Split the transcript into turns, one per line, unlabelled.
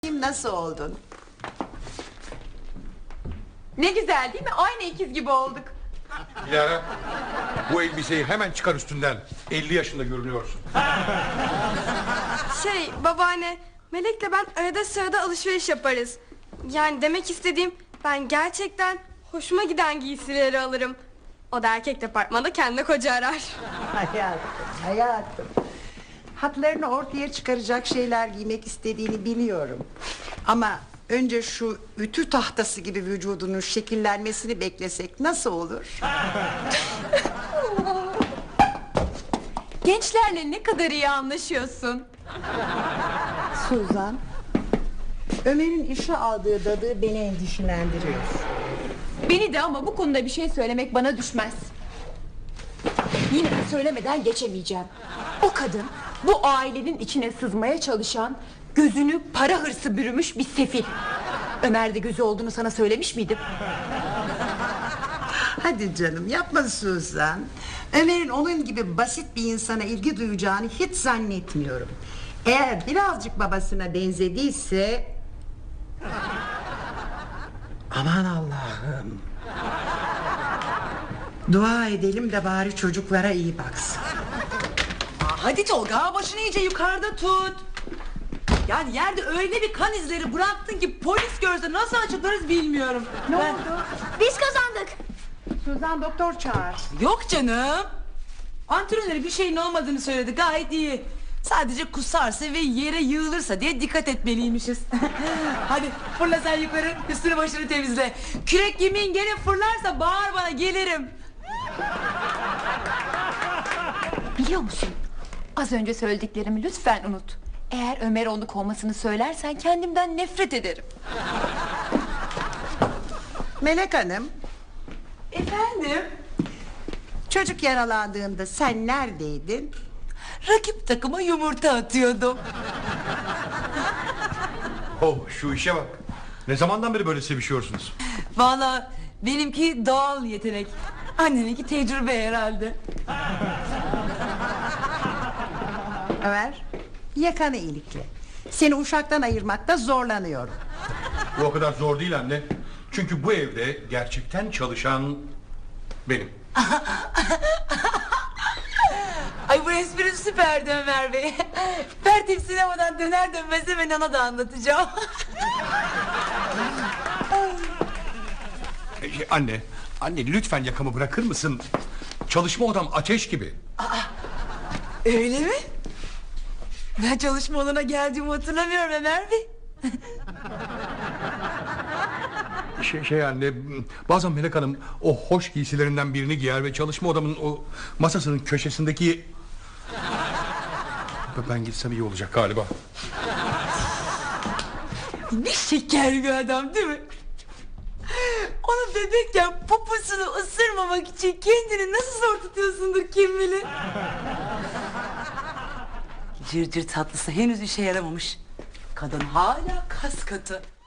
Nasıl oldun?
Ne güzel değil mi? Aynı ikiz gibi olduk.
Dilara, bu elbiseyi hemen çıkar üstünden. 50 yaşında görünüyorsun.
Babaanne, Melek'le ben arada sırada alışveriş yaparız. Yani demek istediğim, ben gerçekten hoşuma giden giysileri alırım. O da erkek departmanda kendine koca arar.
Hayatım. Hatlarını ortaya çıkaracak şeyler giymek istediğini biliyorum. Ama önce şu ütü tahtası gibi vücudunun şekillenmesini beklesek nasıl olur?
Gençlerle ne kadar iyi anlaşıyorsun.
Suzan, Ömer'in işe aldığı dadı beni endişelendiriyor.
Beni de, ama bu konuda bir şey söylemek bana düşmez. Yine de söylemeden geçemeyeceğim. O kadın bu ailenin içine sızmaya çalışan, gözünü para hırsı bürümüş bir sefil. Ömer'de gözü olduğunu sana söylemiş miydim?
Hadi canım, yapma Suzan. Ömer'in onun gibi basit bir insana ilgi duyacağını hiç zannetmiyorum. Eğer birazcık babasına benzediyse... Aman Allah'ım. Dua edelim de bari çocuklara iyi baksın.
Hadi Tolga, başını iyice yukarıda tut. Yani yerde öyle bir kan izleri bıraktın ki polis görse nasıl açıklarız bilmiyorum.
Ne oldu?
Biz kazandık.
Suzan, doktor çağır.
Yok canım. Antrenörü bir şeyin olmadığını söyledi, gayet iyi. Sadece kusarsa ve yere yığılırsa diye dikkat etmeliymişiz. Hadi fırla sen yukarı, üstünü başını temizle. Kürek yemeğin gene fırlarsa bağır bana, gelirim.
Biliyor musun? Az önce söylediklerimi lütfen unut. Eğer Ömer onu kovmasını söylersen kendimden nefret ederim.
Melek Hanım,
Efendim?
çocuk yaralandığında sen neredeydin?
Rakip takıma yumurta atıyordum.
Oh, şu işe bak. Ne zamandan beri böyle sevişiyorsunuz?
Vallahi benimki doğal yetenek. Anneninki tecrübe herhalde.
Ömer, yakanı ilikle. Seni uşaktan ayırmakta zorlanıyorum.
Bu o kadar zor değil anne. Çünkü bu evde gerçekten çalışan benim.
Ay, bu espri süperdi Ömer Bey. Pertip sinemadan döner dönmez hemen ona da anlatacağım.
Anne lütfen yakamı bırakır mısın? Çalışma odam ateş gibi.
Öyle mi? Ben çalışma olana geldiğimi hatırlamıyorum Ömer Bey.
Anne, bazen Melek Hanım o hoş giysilerinden birini giyer ve çalışma odamın o masasının köşesindeki... Ben gitsem iyi olacak galiba.
Ne şeker bir adam değil mi? Onu bebekken poposunu ısırmamak için kendini nasıl zor tutuyorsundur kim bilir. Cırcır tatlısı henüz işe yaramamış. Kadın hala kas katı.